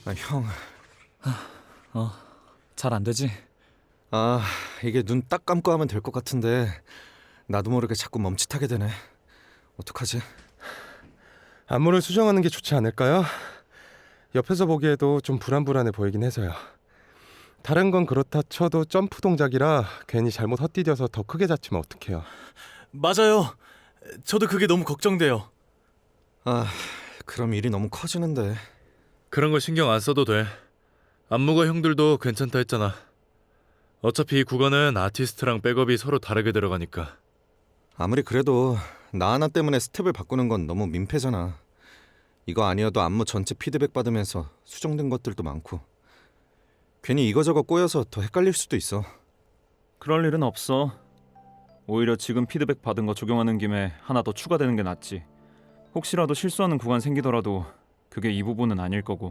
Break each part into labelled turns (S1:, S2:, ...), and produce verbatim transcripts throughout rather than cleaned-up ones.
S1: 아, 형.
S2: 어, 잘 안 되지?
S1: 아, 이게 눈 딱 감고 하면 될 것 같은데 나도 모르게 자꾸 멈칫하게 되네. 어떡하지?
S3: 안무를 수정하는 게 좋지 않을까요? 옆에서 보기에도 좀 불안불안해 보이긴 해서요. 다른 건 그렇다 쳐도 점프 동작이라 괜히 잘못 헛디뎌서 더 크게 다치면 어떡해요.
S4: 맞아요. 저도 그게 너무 걱정돼요.
S1: 아, 그럼 일이 너무 커지는데.
S5: 그런 거 신경 안 써도 돼. 안무가 형들도 괜찮다 했잖아. 어차피 이 구간은 아티스트랑 백업이 서로 다르게 들어가니까.
S1: 아무리 그래도 나 하나 때문에 스텝을 바꾸는 건 너무 민폐잖아. 이거 아니어도 안무 전체 피드백 받으면서 수정된 것들도 많고. 괜히 이거저거 꼬여서 더 헷갈릴 수도 있어.
S6: 그럴 일은 없어. 오히려 지금 피드백 받은 거 적용하는 김에 하나 더 추가되는 게 낫지. 혹시라도 실수하는 구간 생기더라도 그게 이 부분은 아닐 거고.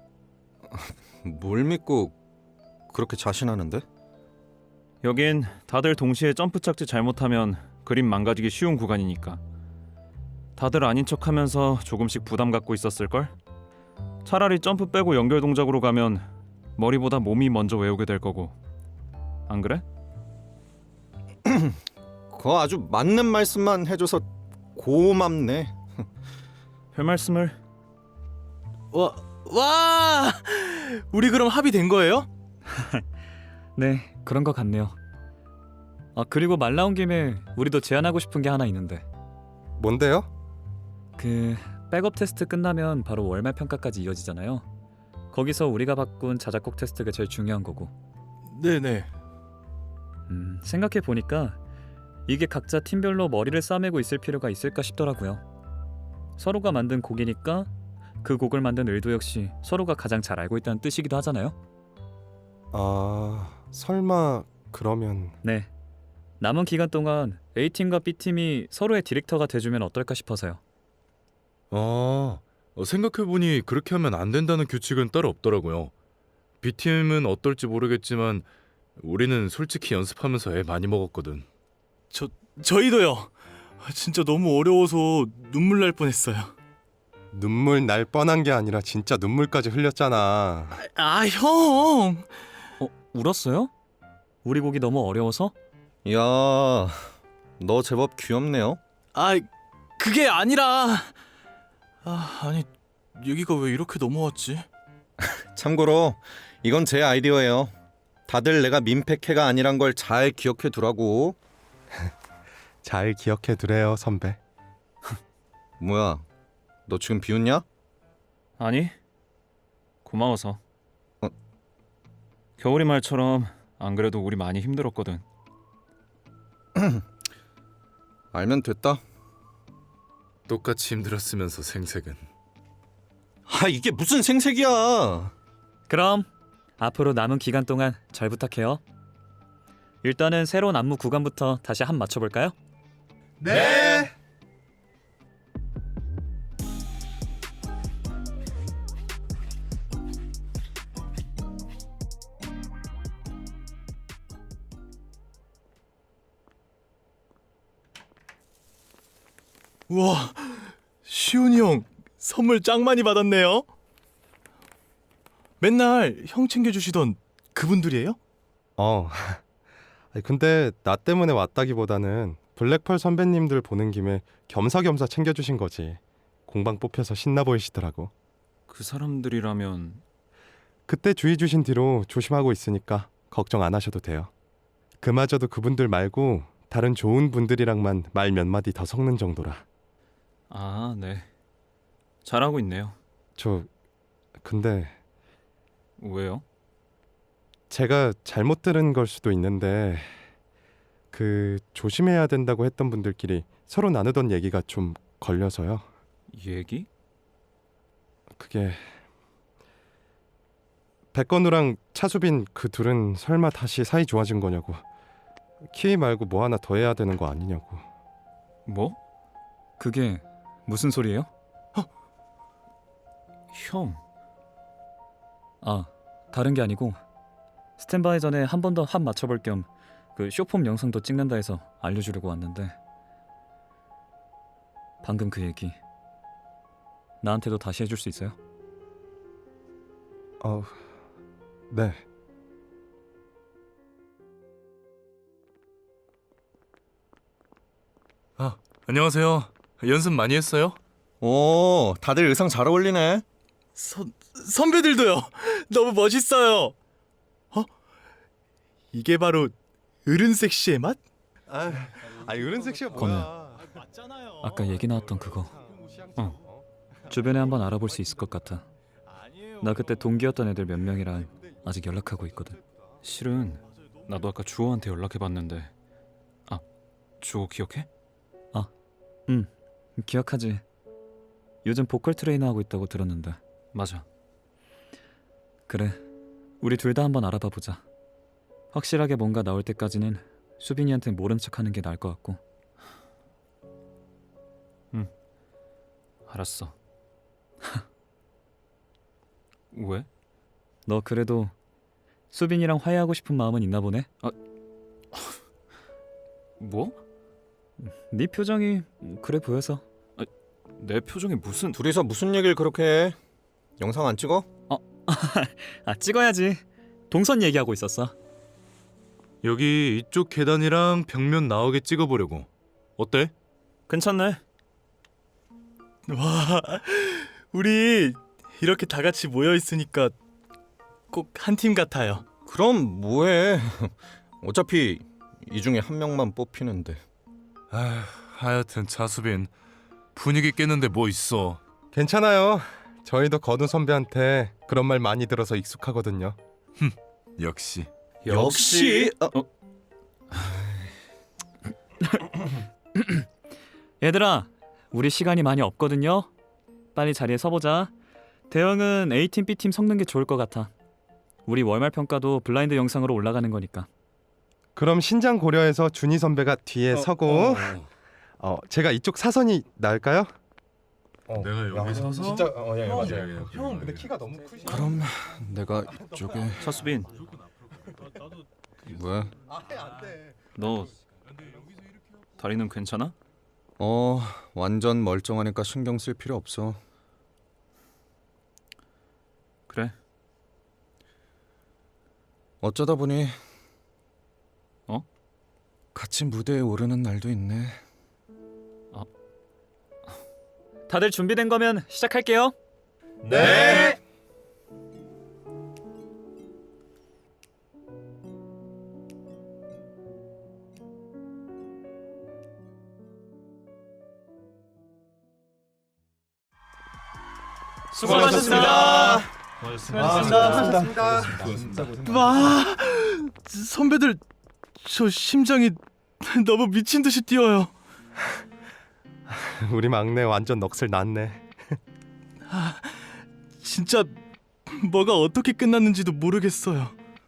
S1: 뭘 믿고 그렇게 자신하는데?
S6: 여긴 다들 동시에 점프 착지 잘못하면 그림 망가지기 쉬운 구간이니까. 다들 아닌 척하면서 조금씩 부담 갖고 있었을걸? 차라리 점프 빼고 연결 동작으로 가면 머리보다 몸이 먼저 외우게 될 거고. 안 그래?
S1: 그거 아주 맞는 말씀만 해줘서 고맙네.
S6: 별 말씀을.
S4: 와, 와! 우리 그럼 합의된 거예요?
S2: 네, 그런 것 같네요. 아, 그리고 말 나온 김에 우리도 제안하고 싶은 게 하나 있는데,
S3: 뭔데요?
S2: 그 백업 테스트 끝나면 바로 월말 평가까지 이어지잖아요. 거기서 우리가 바꾼 자작곡 테스트가 제일 중요한 거고.
S4: 네네.
S2: 음, 생각해 보니까 이게 각자 팀별로 머리를 싸매고 있을 필요가 있을까 싶더라고요. 서로가 만든 곡이니까 그 곡을 만든 의도 역시 서로가 가장 잘 알고 있다는 뜻이기도 하잖아요.
S3: 아... 설마... 그러면...
S2: 네. 남은 기간 동안 A팀과 B팀이 서로의 디렉터가 돼주면 어떨까 싶어서요.
S5: 아, 어, 생각해보니 그렇게 하면 안 된다는 규칙은 따로 없더라고요. B팀은 어떨지 모르겠지만 우리는 솔직히 연습하면서 애 많이 먹었거든.
S4: 저 저희도요. 진짜 너무 어려워서 눈물 날 뻔했어요.
S3: 눈물 날 뻔한 게 아니라 진짜 눈물까지 흘렸잖아.
S4: 아, 형.
S2: 어, 울었어요? 우리 곡이 너무 어려워서?
S1: 야, 너 제법 귀엽네요.
S4: 아, 그게 아니라. 아, 아니 얘기가 왜 이렇게 넘어왔지?
S1: 참고로 이건 제 아이디어예요. 다들 내가 민폐캐가 아니란 걸 잘 기억해 두라고.
S3: 잘 기억해 두래요, 선배.
S1: 뭐야, 너 지금 비웃냐?
S6: 아니, 고마워서.
S1: 어?
S6: 겨울이 말처럼 안 그래도 우리 많이 힘들었거든.
S1: 알면 됐다.
S5: 똑같이 힘들었으면서 생색은.
S1: 아, 이게 무슨 생색이야.
S2: 그럼 앞으로 남은 기간 동안 잘 부탁해요. 일단은 새로운 안무 구간부터 다시 한 맞춰볼까요?
S3: 네!
S4: 우와, 시온이 형 선물 짱 많이 받았네요. 맨날 형 챙겨주시던 그분들이에요?
S3: 어... 아니, 근데 나 때문에 왔다기보다는 블랙펄 선배님들 보는 김에 겸사겸사 챙겨주신 거지. 공방 뽑혀서 신나 보이시더라고.
S6: 그 사람들이라면...
S3: 그때 주의 주신 뒤로 조심하고 있으니까 걱정 안 하셔도 돼요. 그마저도 그분들 말고 다른 좋은 분들이랑만 말 몇 마디 더 섞는 정도라.
S6: 아, 네. 잘하고 있네요.
S3: 저... 근데...
S6: 왜요?
S3: 제가 잘못 들은 걸 수도 있는데 그 조심해야 된다고 했던 분들끼리 서로 나누던 얘기가 좀 걸려서요.
S6: 얘기?
S3: 그게... 백건우랑 차수빈 그 둘은 설마 다시 사이 좋아진 거냐고. 키위 말고 뭐 하나 더 해야 되는 거 아니냐고.
S6: 뭐?
S2: 그게 무슨 소리예요?
S6: 형...
S2: 아, 다른 게 아니고 스탠바이 전에 한 번 더 합 맞춰볼 겸 그 쇼폼 영상도 찍는다 해서 알려주려고 왔는데, 방금 그 얘기 나한테도 다시 해줄 수 있어요?
S3: 어, 네.
S5: 아, 안녕하세요. 연습 많이 했어요?
S1: 오, 다들 의상 잘 어울리네.
S4: 선 선배들도요. 너무 멋있어요. 어? 이게 바로 어른 섹시의 맛?
S3: 아, 아 이런 섹시가 뭐야?
S4: 맞잖아요.
S2: 아까 얘기 나왔던 그거. 어. 주변에 한번 알아볼 수 있을 것 같아. 나 그때 동기였던 애들 몇 명이랑 아직 연락하고 있거든.
S6: 실은 나도 아까 주호한테 연락해봤는데 아, 주호 기억해?
S2: 응, 기억하지. 요즘 보컬 트레이너 하고 있다고 들었는데.
S6: 맞아.
S2: 그래, 우리 둘 다 한번 알아봐 보자. 확실하게 뭔가 나올 때까지는 수빈이한테 모른 척하는 게 나을 것 같고.
S6: 알았어. 왜?
S2: 너 그래도 수빈이랑 화해하고 싶은 마음은 있나 보네?
S6: 뭐?
S2: 네 표정이 그래 보여서.
S6: 내 표정이 무슨...
S1: 둘이서 무슨 얘기를 그렇게 해? 영상 안 찍어?
S2: 아, 찍어야지. 동선 얘기하고 있었어.
S5: 여기 이쪽 계단이랑 벽면 나오게 찍어보려고. 어때?
S6: 괜찮네.
S4: 와, 우리 이렇게 다 같이 모여 있으니까 꼭 한 팀 같아요.
S1: 그럼 뭐해? 어차피 이 중에 한 명만 뽑히는데.
S5: 아, 하여튼 차수빈 분위기 깼는데 뭐 있어.
S3: 괜찮아요. 저희도 건우 선배한테 그런 말 많이 들어서 익숙하거든요.
S5: 역시.
S1: 역시 어,
S2: 얘들아, 우리 시간이 많이 없거든요. 빨리 자리에 서보자. 대형은 A팀, B팀 섞는 게 좋을 것 같아. 우리 월말 평가도 블라인드 영상으로 올라가는 거니까.
S3: 그럼 신장 고려해서 준희 선배가 뒤에 서고 어, 제가 이쪽 사선이 나을까요? 어,
S5: 내가 여기
S3: 야,
S5: 서서?
S3: 진짜 어, 예,
S5: 형,
S3: 맞아요.
S5: 형,
S3: 형 근데 키가 너무 크시.
S1: 그럼 내가 이쪽에
S6: 차수빈,
S1: 뭐야?
S3: 아예 안 돼.
S6: 너 다리는 괜찮아?
S1: 어, 완전 멀쩡하니까 신경 쓸 필요 없어.
S6: 그래.
S1: 어쩌다 보니
S6: 어?
S1: 같이 무대에 오르는 날도 있네.
S2: 다들 준비된 거면 시작할게요.
S3: 네.
S2: 수고하셨습니다.
S3: 수고하셨습니다.
S4: 와, 선배들 저 심장이 너무 미친 듯이 뛰어요.
S3: 우리 막내 완전 넋을 났네.
S4: 진짜 뭐가 어떻게 끝났는지도 모르겠어요.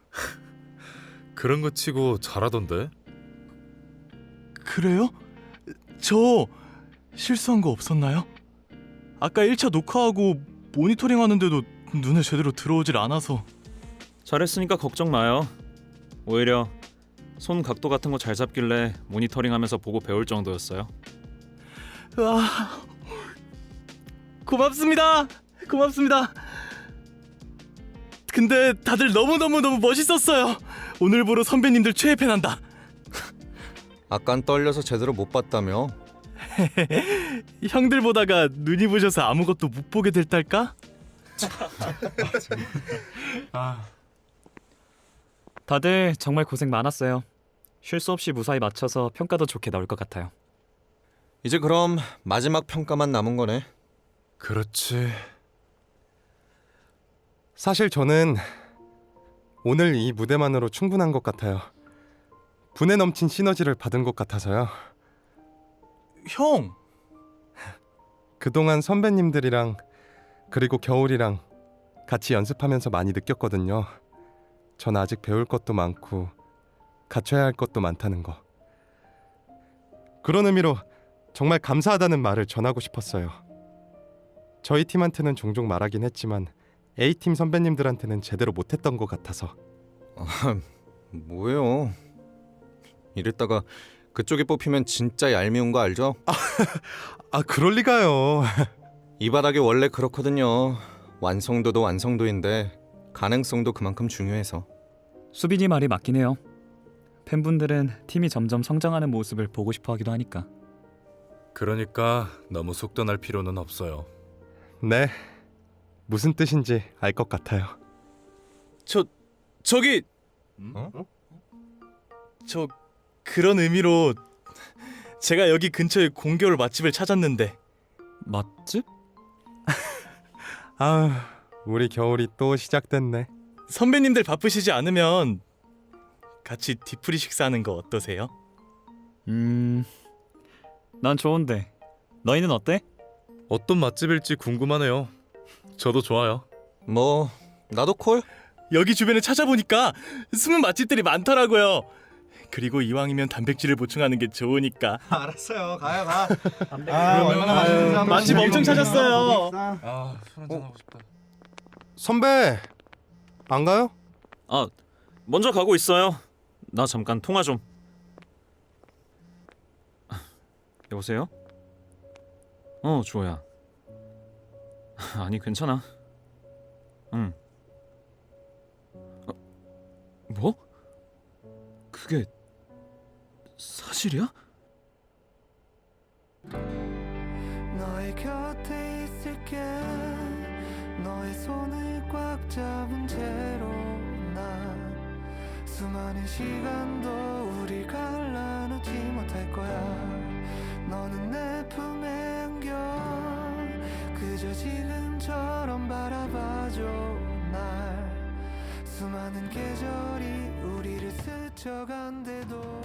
S5: 그런 거 치고 잘하던데?
S4: 그래요? 저 실수한 거 없었나요? 아까 일 차 녹화하고 모니터링 하는데도 눈에 제대로 들어오질 않아서.
S6: 잘했으니까 걱정 마요. 오히려 손 각도 같은 거 잘 잡길래 모니터링하면서 보고 배울 정도였어요.
S4: 와, 고맙습니다. 고맙습니다. 근데 다들 너무너무너무 멋있었어요. 오늘부로 선배님들 최애 팬한다.
S1: 아깐 떨려서 제대로 못 봤다며?
S4: 형들 보다가 눈이 부셔서 아무것도 못 보게 될 딸까?
S2: 다들 정말 고생 많았어요. 쉴 수 없이 무사히 맞춰서 평가도 좋게 나올 것 같아요.
S1: 이제 그럼 마지막 평가만 남은 거네.
S5: 그렇지.
S3: 사실 저는 오늘 이 무대만으로 충분한 것 같아요. 분에 넘친 시너지를 받은 것 같아서요.
S4: 형,
S3: 그동안 선배님들이랑 그리고 겨울이랑 같이 연습하면서 많이 느꼈거든요. 전 아직 배울 것도 많고 갖춰야 할 것도 많다는 거. 그런 의미로 정말 감사하다는 말을 전하고 싶었어요. 저희 팀한테는 종종 말하긴 했지만 A팀 선배님들한테는 제대로 못했던 것 같아서.
S1: 뭐예요? 이랬다가 그쪽이 뽑히면 진짜 얄미운 거 알죠?
S3: 아, 그럴 리가요.
S1: 이 바닥이 원래 그렇거든요. 완성도도 완성도인데 가능성도 그만큼 중요해서.
S2: 수빈이 말이 맞긴 해요. 팬분들은 팀이 점점 성장하는 모습을 보고 싶어 하기도 하니까.
S5: 그러니까 너무 속단할 필요는 없어요.
S3: 네, 무슨 뜻인지 알 것 같아요.
S4: 저 저기
S3: 어?
S4: 저 그런 의미로 제가 여기 근처에 공겨울 맛집을 찾았는데
S2: 맛집?
S3: 아, 우리 겨울이 또 시작됐네.
S4: 선배님들 바쁘시지 않으면 같이 뒤풀이 식사하는 거 어떠세요?
S2: 음... 난 좋은데 너희는 어때?
S5: 어떤 맛집일지 궁금하네요. 저도 좋아요.
S1: 뭐 나도 콜?
S4: 여기 주변에 찾아보니까 숨은 맛집들이 많더라고요. 그리고 이왕이면 단백질을 보충하는 게 좋으니까.
S1: 알았어요. 가요 가.
S4: 아, 얼마나 맛있는지 한번 맛집 엄청 찾았어요.
S5: 아, 술 한잔 하고 싶다.
S3: 선배, 안 가요?
S6: 아, 먼저 가고 있어요. 나 잠깐 통화 좀. 여보세요? 어, 주호야. 아니, 괜찮아. 응. 어, 뭐? 그게 사실이야?
S7: 너의 곁에 있을게 너의 손을 꽉 잡은 채로 난 수많은 시간도 우리 갈라놓지 못할 거야. 너는 내 품에 안겨 그저 지금처럼 바라봐줘 날. 수많은 계절이 우리를 스쳐간대도